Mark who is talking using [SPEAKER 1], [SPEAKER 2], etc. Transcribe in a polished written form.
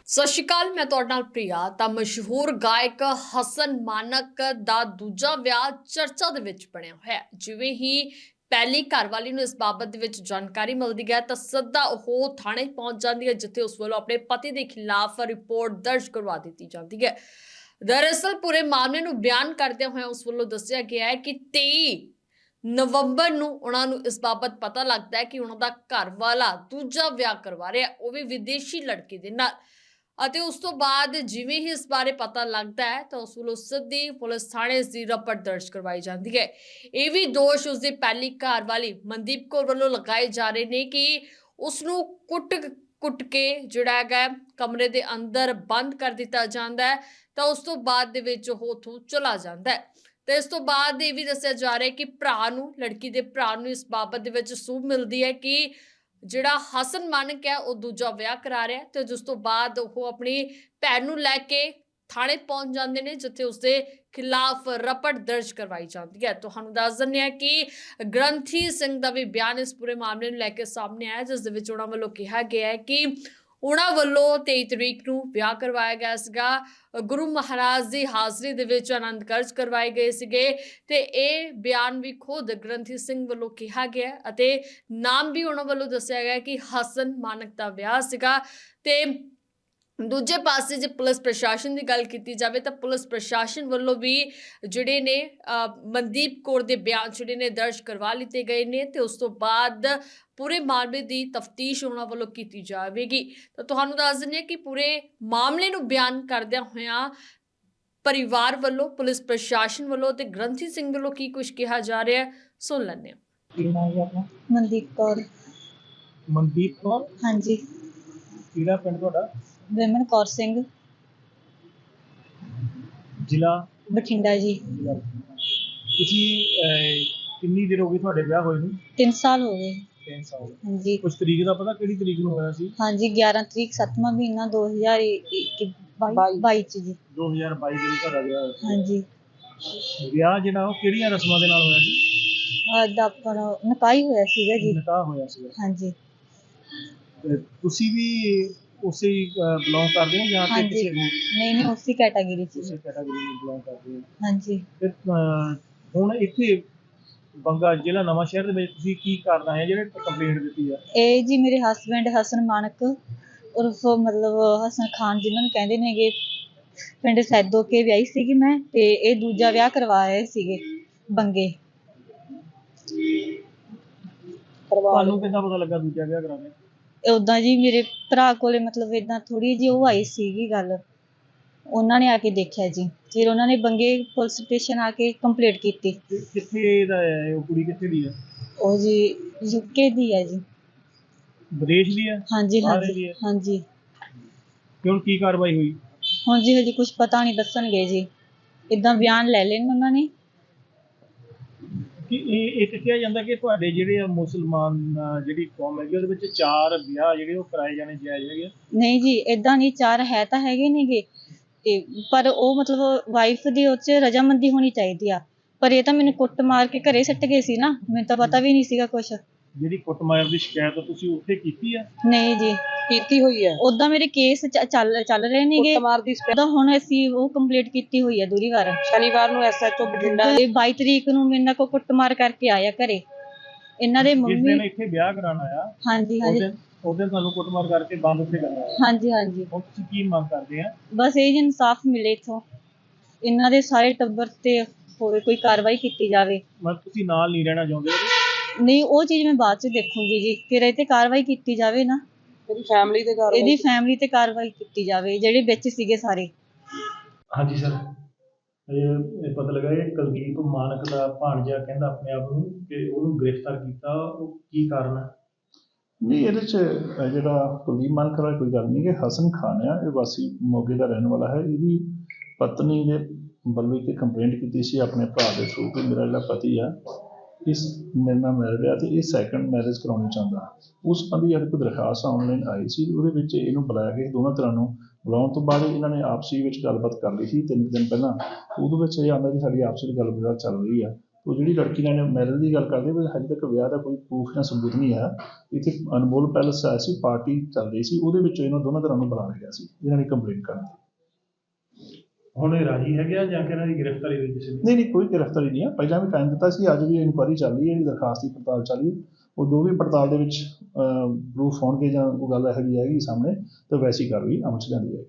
[SPEAKER 1] ਸਤਿ ਸ਼੍ਰੀ ਅਕਾਲ। ਮੈਂ ਤੁਹਾਡੇ ਨਾਲ ਪ੍ਰਿਆ। ਤਾਂ ਮਸ਼ਹੂਰ ਗਾਇਕ ਹਸਨ ਮਾਨਕ ਦਾ ਦੂਜਾ ਵਿਆਹ ਚਰਚਾ ਦੇ ਵਿੱਚ ਬਣਿਆ ਹੋਇਆ ਹੈ। ਜਿਵੇਂ ਹੀ ਪਹਿਲੀ ਘਰਵਾਲੀ ਨੂੰ ਇਸ ਬਾਬਤ ਦੇ ਵਿੱਚ ਜਾਣਕਾਰੀ ਮਿਲਦੀ ਹੈ ਤਾਂ ਸਿੱਧਾ ਉਹ ਥਾਣੇ ਪਹੁੰਚ ਜਾਂਦੀ ਹੈ, ਜਿੱਥੇ ਉਸ ਵੱਲੋਂ ਆਪਣੇ ਪਤੀ ਦੇ ਖਿਲਾਫ ਰਿਪੋਰਟ ਦਰਜ ਕਰਵਾ ਦਿੱਤੀ ਜਾਂਦੀ ਹੈ। ਦਰਅਸਲ ਪੂਰੇ ਮਾਮਲੇ ਨੂੰ ਬਿਆਨ ਕਰਦਿਆਂ ਹੋਇਆ ਉਸ ਵੱਲੋਂ ਦੱਸਿਆ ਗਿਆ ਹੈ ਕਿ 23 ਨਵੰਬਰ ਨੂੰ ਉਹਨਾਂ ਨੂੰ ਇਸ ਬਾਬਤ ਪਤਾ ਲੱਗਦਾ ਹੈ ਕਿ ਉਹਨਾਂ ਦਾ ਘਰ ਵਾਲਾ ਦੂਜਾ ਵਿਆਹ ਕਰਵਾ ਰਿਹਾ, ਉਹ ਵੀ ਵਿਦੇਸ਼ੀ ਲੜਕੀ ਦੇ ਨਾਲ। ਅਤੇ ਉਸ ਤੋਂ ਬਾਅਦ ਜਿਵੇਂ ਹੀ ਇਸ ਬਾਰੇ ਪਤਾ ਲੱਗਦਾ ਹੈ ਤਾਂ ਉਸ ਵੱਲੋਂ ਸਿੱਧੀ ਪੁਲਿਸ ਥਾਣੇ ਇਸ ਦੀ ਰਿਪੋਰਟ ਦਰਜ ਕਰਵਾਈ ਜਾਂਦੀ ਹੈ। ਇਹ ਵੀ ਦੋਸ਼ ਉਸ ਦੀ ਪਹਿਲੀ ਘਰ ਵਾਲੀ ਮਨਦੀਪ ਕੌਰ ਵੱਲੋਂ ਲਗਾਏ ਜਾ ਰਹੇ ਨੇ ਕਿ ਉਸ ਨੂੰ ਕੁੱਟ ਕੇ ਜਿਹੜਾ ਹੈਗਾ ਕਮਰੇ ਦੇ ਅੰਦਰ ਬੰਦ ਕਰ ਦਿੱਤਾ ਜਾਂਦਾ ਹੈ, ਤਾਂ ਉਸ ਤੋਂ ਬਾਅਦ ਦੇ ਵਿੱਚ ਉਹ ਉੱਥੋਂ ਚਲਾ ਜਾਂਦਾ ਹੈ। ਤੇ ਇਸ ਤੋਂ ਬਾਅਦ ਇਹ ਵੀ ਦੱਸਿਆ ਜਾ ਰਿਹਾ ਹੈ ਕਿ ਲੜਕੀ ਦੇ ਭਰਾ ਨੂੰ ਇਸ ਬਾਬਤ ਦੇ ਵਿੱਚ ਸੂਹ ਮਿਲਦੀ ਹੈ ਕਿ ਜਿਹੜਾ ਹਸਨ ਮਾਨਕ ਹੈ ਉਹ ਦੂਜਾ ਵਿਆਹ ਕਰਾ ਰਿਹਾ, ਤੇ ਜਿਸ ਤੋਂ ਬਾਅਦ ਉਹ ਆਪਣੀ ਭੈਣ ਨੂੰ ਲੈ ਕੇ ਥਾਣੇ ਪਹੁੰਚ ਜਾਂਦੇ ਨੇ, ਜਿੱਥੇ ਉਸਦੇ ਖਿਲਾਫ ਰਿਪੋਰਟ ਦਰਜ ਕਰਵਾਈ ਜਾਂਦੀ ਹੈ। ਤੁਹਾਨੂੰ ਦੱਸ ਦਿੰਦੇ ਹਾਂ ਕਿ ਗ੍ਰੰਥੀ ਸਿੰਘ ਦਾ ਵੀ ਬਿਆਨ ਇਸ ਪੂਰੇ ਮਾਮਲੇ ਨੂੰ ਲੈ ਕੇ ਸਾਹਮਣੇ ਆਇਆ, ਜਿਸ ਦੇ ਵਿੱਚ ਉਹਨਾਂ ਵੱਲੋਂ ਕਿਹਾ ਗਿਆ ਹੈ ਕਿ ਉਹਨਾਂ ਵੱਲੋਂ 23 ਤਰੀਕ ਨੂੰ ਵਿਆਹ ਕਰਵਾਇਆ ਗਿਆ ਸੀਗਾ। ਗੁਰੂ ਮਹਾਰਾਜ ਦੀ ਹਾਜ਼ਰੀ ਦੇ ਵਿੱਚ ਆਨੰਦ ਕਾਰਜ ਕਰਵਾਏ ਗਏ ਸੀਗੇ, ਤੇ ਇਹ ਬਿਆਨ ਵੀ ਖੁਦ ਗ੍ਰੰਥੀ ਸਿੰਘ ਵੱਲੋਂ ਕਿਹਾ ਗਿਆ ਅਤੇ ਨਾਮ ਵੀ ਉਹਨਾਂ ਵੱਲੋਂ ਦੱਸਿਆ ਗਿਆ ਕਿ ਹਸਨ ਮਾਨਕ ਦਾ ਵਿਆਹ ਸੀਗਾ। ਤੇ ਦੂਜੇ ਪਾਸੇ ਜੇ ਪੁਲਿਸ ਪ੍ਰਸ਼ਾਸਨ ਦੀ ਗੱਲ ਕੀਤੀ ਜਾਵੇ ਤਾਂ ਪੁਲਿਸ ਪ੍ਰਸ਼ਾਸਨ ਵੱਲੋਂ ਵੀ ਜਿਹੜੇ ਨੇ ਮਨਦੀਪ ਕੌਰ ਦੇ ਬਿਆਨ ਜਿਹੜੇ ਨੇ ਦਰਜ ਕਰਵਾ ਲਿੱਤੇ ਗਏ ਨੇ, ਤੇ ਉਸ ਤੋਂ ਬਾਅਦ ਪੂਰੇ ਮਾਮਲੇ ਦੀ ਤਫਤੀਸ਼ ਉਹਨਾਂ ਵੱਲੋਂ ਕੀਤੀ ਜਾਵੇਗੀ। ਤਾਂ ਤੁਹਾਨੂੰ ਦੱਸ ਦਿੰਦੇ ਹਾਂ ਕਿ ਪੂਰੇ ਮਾਮਲੇ ਨੂੰ ਬਿਆਨ ਕਰਦਿਆਂ ਹੋਇਆਂ ਪਰਿਵਾਰ ਵੱਲੋਂ, ਪੁਲਿਸ ਪ੍ਰਸ਼ਾਸਨ ਵੱਲੋਂ ਤੇ ਗ੍ਰੰਥੀ ਸਿੰਘ ਵੱਲੋਂ ਕੀ ਕੁਝ ਕਿਹਾ ਜਾ ਰਿਹਾ ਹੈ, ਸੁਣ ਲੈਂਦੇ ਹਾਂ।
[SPEAKER 2] ਮਨਦੀਪ ਕੌਰ।
[SPEAKER 3] ਮਨਦੀਪ ਕੌਰ?
[SPEAKER 2] ਹਾਂਜੀ।
[SPEAKER 3] ਕਿਹੜਾ ਪਿੰਡ ਤੁਹਾਡਾ?
[SPEAKER 2] ਵਿਮਨ ਕੌਰ ਸਿੰਘ,
[SPEAKER 3] ਜ਼ਿਲ੍ਹਾ
[SPEAKER 2] ਬਠਿੰਡਾ ਜੀ।
[SPEAKER 3] ਤੁਸੀਂ ਕਿੰਨੀ ਦੇਰ ਹੋ ਗਈ ਤੁਹਾਡੇ ਵਿਆਹ ਹੋਏ ਨੂੰ?
[SPEAKER 2] 3 ਸਾਲ ਹੋ ਗਏ।
[SPEAKER 3] 3 ਸਾਲ।
[SPEAKER 2] ਹਾਂਜੀ।
[SPEAKER 3] ਕੁਝ ਤਰੀਕ ਦਾ ਪਤਾ ਕਿਹੜੀ ਤਰੀਕ ਨੂੰ ਹੋਇਆ ਸੀ?
[SPEAKER 2] ਹਾਂਜੀ, 11 ਤਰੀਕ 7ਵਾਂ ਮਹੀਨਾ 2022 ਚ ਜੀ।
[SPEAKER 3] 2022 ਦੇ ਵਿੱਚ ਤੁਹਾਡਾ ਵਿਆਹ ਹੋਇਆ ਸੀ।
[SPEAKER 2] ਹਾਂਜੀ।
[SPEAKER 3] ਵਿਆਹ ਜਿਹੜਾ ਉਹ ਕਿਹੜੀਆਂ ਰਸਮਾਂ ਦੇ ਨਾਲ ਹੋਇਆ ਸੀ?
[SPEAKER 2] ਅੱਜ ਆਪਣਾ ਨਿਕਾਹ ਹੀ ਹੋਇਆ ਸੀਗਾ ਜੀ।
[SPEAKER 3] ਨਿਕਾਹ ਹੋਇਆ ਸੀਗਾ।
[SPEAKER 2] ਹਾਂਜੀ।
[SPEAKER 3] ਤੇ ਤੁਸੀਂ ਵੀ ਉਸੇ ਬਿਲੋਂਗ ਕਰਦੇ ਹੋ ਜਾਂ ਕਿ ਕਿਸੇ ਹੋਰ?
[SPEAKER 2] ਨਹੀਂ, ਉਸੇ ਕੈਟਾਗਰੀ ਚ।
[SPEAKER 3] ਉਸੇ ਕੈਟਾਗਰੀ ਨੂੰ ਬਿਲੋਂਗ ਕਰਦੇ ਹੋ?
[SPEAKER 2] ਹਾਂਜੀ।
[SPEAKER 3] ਤੇ ਹੁਣ ਇੱਥੇ ਬੰਗਾ ਜ਼ਿਲ੍ਹਾ ਨਵਾਂ ਸ਼ਹਿਰ ਦੇ ਵਿੱਚ ਤੁਸੀਂ ਕੀ ਕਰਨਾ ਹੈ ਜਿਹੜੇ ਕੰਪਲੇਂਟ ਦਿੱਤੀ ਆ? ਇਹ
[SPEAKER 2] ਜੀ ਮੇਰੇ ਹਸਬੈਂਡ ਹਸਨ ਮਾਨਕ ਉਰਫ ਮਤਲਬ ਹਸਨ ਖਾਨ, ਜਿਨ੍ਹਾਂ ਨੂੰ ਕਹਿੰਦੇ ਨੇਗੇ, ਪਿੰਡ ਸੈਦੋ ਕੇ ਵਿਆਹੀ ਸੀਗੀ ਮੈਂ, ਤੇ ਇਹ ਦੂਜਾ ਵਿਆਹ ਕਰਵਾ ਰਹੇ ਸੀਗੇ ਬੰਗੇ।
[SPEAKER 3] ਤੁਹਾਨੂੰ ਕਿੱਦਾਂ ਪਤਾ ਲੱਗਾ ਦੂਜਾ ਵਿਆਹ ਕਰਾਉਣਾ?
[SPEAKER 2] ਉਦਾਂ ਜੀ ਮੇਰੇ ਭਰਾ ਕੋਲੇ ਮਤਲਬ ਏਦਾਂ ਥੋੜੀ ਜਿਹੀ ਉਹ ਆਈ ਸੀਗੀ ਗੱਲ, ਉਹਨਾਂ ਨੇ ਆ ਕੇ ਦੇਖਿਆ ਜੀ, ਫਿਰ ਉਹਨਾਂ ਨੇ ਬੰਗੇ ਪੁਲਿਸ ਸਟੇਸ਼ਨ ਆ ਕੇ ਕੰਪਲੇਂਟ ਕੀਤੀ।
[SPEAKER 3] ਕਿੱਥੇ ਦਾ ਹੈ ਉਹ ਕੁੜੀ? ਕਿੱਥੇ ਦੀ ਹੈ
[SPEAKER 2] ਉਹ? ਜੀ ਯੂਕੇ ਦੀ ਹੈ ਜੀ।
[SPEAKER 3] ਵਿਦੇਸ਼ ਦੀ ਹੈ?
[SPEAKER 2] ਹਾਂਜੀ ਹਾਂਜੀ ਹਾਂਜੀ।
[SPEAKER 3] ਹੁਣ ਕੀ ਕਾਰਵਾਈ ਹੋਈ?
[SPEAKER 2] ਹੁਣ ਜੀ ਹਜੇ ਕੁਝ ਪਤਾ ਨਹੀਂ, ਦੱਸਣਗੇ ਜੀ। ਇਦਾਂ ਬਿਆਨ ਲੈ ਲੈਣ ਉਹਨਾਂ ਨੇ
[SPEAKER 3] ਕਿ ਇਹ ਕਿਹਾ ਜਾਂਦਾ ਕਿ ਤੁਹਾਡੇ ਜਿਹੜੇ ਮੁਸਲਮਾਨ ਜਿਹੜੀ ਕੌਮ ਹੈਗੀ ਉਹਦੇ ਵਿੱਚ 4 ਵਿਆਹ ਜਿਹੜੇ ਉਹ ਕਰਾਏ ਜਾਣੇ ਜਾਇਜ਼ ਹੈਗੇ?
[SPEAKER 2] ਨਹੀਂ ਜੀ, ਏਦਾਂ ਨਹੀਂ, 4 ਹੈ ਤਾਂ ਹੈਗੇ ਨੇਗੇ, ਤੇ ਪਰ ਉਹ ਮਤਲਬ ਵਾਈਫ ਦੀ ਉਹ 'ਚ ਰਜਾਮੰਦੀ ਹੋਣੀ ਚਾਹੀਦੀ ਆ। ਪਰ ਇਹ ਤਾਂ ਮੈਨੂੰ ਕੁੱਟ ਮਾਰ ਕੇ ਘਰੇ ਸੱਟ ਗਏ ਸੀ ਨਾ, ਮੈਨੂੰ ਤਾਂ ਪਤਾ ਵੀ ਨਹੀਂ ਸੀਗਾ ਕੁਛ।
[SPEAKER 3] ਜਿਹੜੀ ਕੁੱਟਮਾਰ ਦੀ ਸ਼ਿਕਾਇਤ ਤੁਸੀਂ ਉੱਥੇ ਕੀਤੀ ਆ?
[SPEAKER 2] ਨਹੀਂ ਜੀ, ਕੀਤੀ ਹੋਈ ਹੈ। ਉਦਾਂ ਮੇਰੇ ਕੇਸ ਚੱਲ ਰਹੇ ਨੇਗੇ ਕੁੱਟਮਾਰ ਦੀ। ਤਾਂ ਹੁਣ ਅਸੀਂ ਉਹ ਕੰਪਲੀਟ ਕੀਤੀ ਹੋਈ ਹੈ ਦੂਰੀ ਵਾਰ। ਸ਼ਨੀਵਾਰ ਨੂੰ ਐਸਐਚਓ ਬਠਿੰਡਾ 22 ਤਰੀਕ ਨੂੰ ਮੇਰੇ ਨਾਲ ਕੋ ਕੁੱਟਮਾਰ ਕਰਕੇ ਆਇਆ ਘਰੇ। ਇਹਨਾਂ ਦੇ ਮੰਮੀ
[SPEAKER 3] ਜਿਸ ਦਿਨ ਇੱਥੇ ਵਿਆਹ ਕਰਾਉਣਾ ਆ,
[SPEAKER 2] ਹਾਂਜੀ ਹਾਂਜੀ,
[SPEAKER 3] ਉਸ ਦਿਨ ਤੁਹਾਨੂੰ ਕੁੱਟਮਾਰ ਕਰਕੇ ਬੰਦ ਉੱਥੇ ਕਰਨਾ?
[SPEAKER 2] ਹਾਂਜੀ ਹਾਂਜੀ।
[SPEAKER 3] ਹੁਣ ਤੁਸੀਂ ਕੀ ਮੰਗ ਕਰਦੇ ਆ?
[SPEAKER 2] ਬਸ ਇਹ ਜੀ ਇਨਸਾਫ ਮਿਲੇ ਇੱਥੋਂ, ਇਹਨਾਂ ਦੇ ਸਾਰੇ ਟੱਬਰ ਤੇ ਹੋਰ ਕੋਈ ਕਾਰਵਾਈ ਕੀਤੀ ਜਾਵੇ।
[SPEAKER 3] ਮਤਲਬ ਤੁਸੀਂ ਨਾਲ ਨਹੀਂ ਰਹਿਣਾ ਚਾਹੁੰਦੇ?
[SPEAKER 2] ਨਹੀਂ, ਉਹ ਚੀਜ਼ ਮੈਂ ਬਾਅਦ ਚ ਦੇਖੂੰਗੀ ਜੀ, ਫਿਰ ਇਹ ਤੇ ਕਾਰਵਾਈ ਕੀਤੀ ਜਾਵੇ ਨਾ। ਇਹਦੀ ਫੈਮਿਲੀ ਤੇ ਕਾਰਵਾਈ ਕੀਤੀ ਜਾਵੇ, ਜਿਹੜੇ ਵਿੱਚ ਸੀਗੇ ਸਾਰੇ।
[SPEAKER 3] ਹਾਂਜੀ ਸਰ, ਇਹ ਪਤਾ ਲੱਗਾ ਇਹ ਕੁਲਦੀਪ ਮਾਨਕ ਦਾ ਭਾਣਜਾ ਕਹਿੰਦਾ ਆਪਣੇ ਆਪ ਨੂੰ ਕਿ ਉਹਨੂੰ ਗ੍ਰਿਫਤਾਰ ਕੀਤਾ, ਉਹ ਕੀ ਕਾਰਨ ਹੈ?
[SPEAKER 4] ਨਹੀਂ, ਇਹਦੇ 'ਚ ਜਿਹੜਾ ਕੁਲਦੀਪ ਮਾਨਕ ਵਾਲਾ ਕੋਈ ਗੱਲ ਨਹੀਂ ਕਿ ਹਸਨ ਖਾਨ ਆ, ਇਹ ਵਾਸੀ ਮੋਗੇ ਦਾ ਰਹਿਣ ਵਾਲਾ ਹੈ। ਇਹਦੀ ਪਤਨੀ ਦੇ ਵੱਲੋਂ ਇੱਕ ਕੰਪਲੇਂਟ ਕੀਤੀ ਸੀ ਆਪਣੇ ਭਰਾ ਦੇ ਥਰੂ ਕਿ ਮੇਰਾ ਜਿਹੜਾ ਪਤੀ ਆ ਇਸ ਮੇਰੇ ਨਾਲ ਮੈਰਿਡ ਆ ਅਤੇ ਇਹ ਸੈਕੰਡ ਮੈਰਿਜ ਕਰਾਉਣੀ ਚਾਹੁੰਦਾ। ਉਸ ਸੰਬੰਧੀ ਸਾਡੇ ਕੋਲ ਦਰਖਾਸਤ ਆਨਲਾਈਨ ਆਈ ਸੀ, ਉਹਦੇ ਵਿੱਚ ਇਹਨੂੰ ਬੁਲਾਇਆ ਗਿਆ। ਦੋਨਾਂ ਧਿਰਾਂ ਨੂੰ ਬੁਲਾਉਣ ਤੋਂ ਬਾਅਦ ਇਹਨਾਂ ਨੇ ਆਪਸੀ ਵਿੱਚ ਗੱਲਬਾਤ ਕਰ ਲਈ ਸੀ 3 ਦਿਨ ਪਹਿਲਾਂ। ਉਹਦੇ ਵਿੱਚ ਇਹ ਆਉਂਦਾ ਕਿ ਸਾਡੀ ਆਪਸੀ ਵਿੱਚ ਗੱਲਬਾਤ ਚੱਲ ਰਹੀ ਆ, ਉਹ ਜਿਹੜੀ ਲੜਕੀ ਨਾਲ ਮੈਰਿਜ ਦੀ ਗੱਲ ਕਰਦੇ ਵੀ ਹਜੇ ਤੱਕ ਵਿਆਹ ਦਾ ਕੋਈ ਪ੍ਰੂਫ ਜਾਂ ਸਬੂਤ ਨਹੀਂ ਹੈ। ਇੱਥੇ ਅਨਮੋਲ ਪੈਲਸ ਆਇਆ ਸੀ, ਪਾਰਟੀ ਚੱਲ ਰਹੀ ਸੀ, ਉਹਦੇ ਵਿੱਚ ਇਹਨਾਂ ਦੋਨਾਂ ਧਿਰਾਂ ਨੂੰ ਬੁਲਾਇਆ ਗਿਆ ਸੀ ਇਹਨਾਂ ਦੀ ਕੰਪਲੇਂਟ ਕਰਨ ਦੀ।
[SPEAKER 3] ਹੁਣ ਇਹ ਰਾਜੀ ਹੈਗੇ ਆ ਜਾਂ ਕਿ ਇਹਨਾਂ ਦੀ ਗ੍ਰਿਫਤਾਰੀ ਹੋਈ ਕਿਸੇ ਦੀ?
[SPEAKER 4] ਨਹੀਂ ਕੋਈ ਗ੍ਰਿਫਤਾਰੀ ਨਹੀਂ ਹੈ, ਪਹਿਲਾਂ ਵੀ ਟਾਈਮ ਦਿੱਤਾ ਸੀ, ਅੱਜ ਵੀ ਇਨਕੁਆਇਰੀ ਚੱਲ ਰਹੀ ਹੈ, ਇਹਦੀ ਦਰਖਾਸਤ ਦੀ ਪੜਤਾਲ ਚੱਲ ਰਹੀ ਹੈ। ਉਹ ਜੋ ਵੀ ਪੜਤਾਲ ਦੇ ਵਿੱਚ ਪ੍ਰੂਫ ਹੋਣਗੇ ਜਾਂ ਉਹ ਗੱਲ ਇਹੋ ਜਿਹੀ ਆਏਗੀ ਸਾਹਮਣੇ ਤਾਂ ਵੈਸੀ ਕਾਰਵਾਈ ਅਮਲ 'ਚ ਲਿਆਂਦੀ ਜਾਏਗੀ।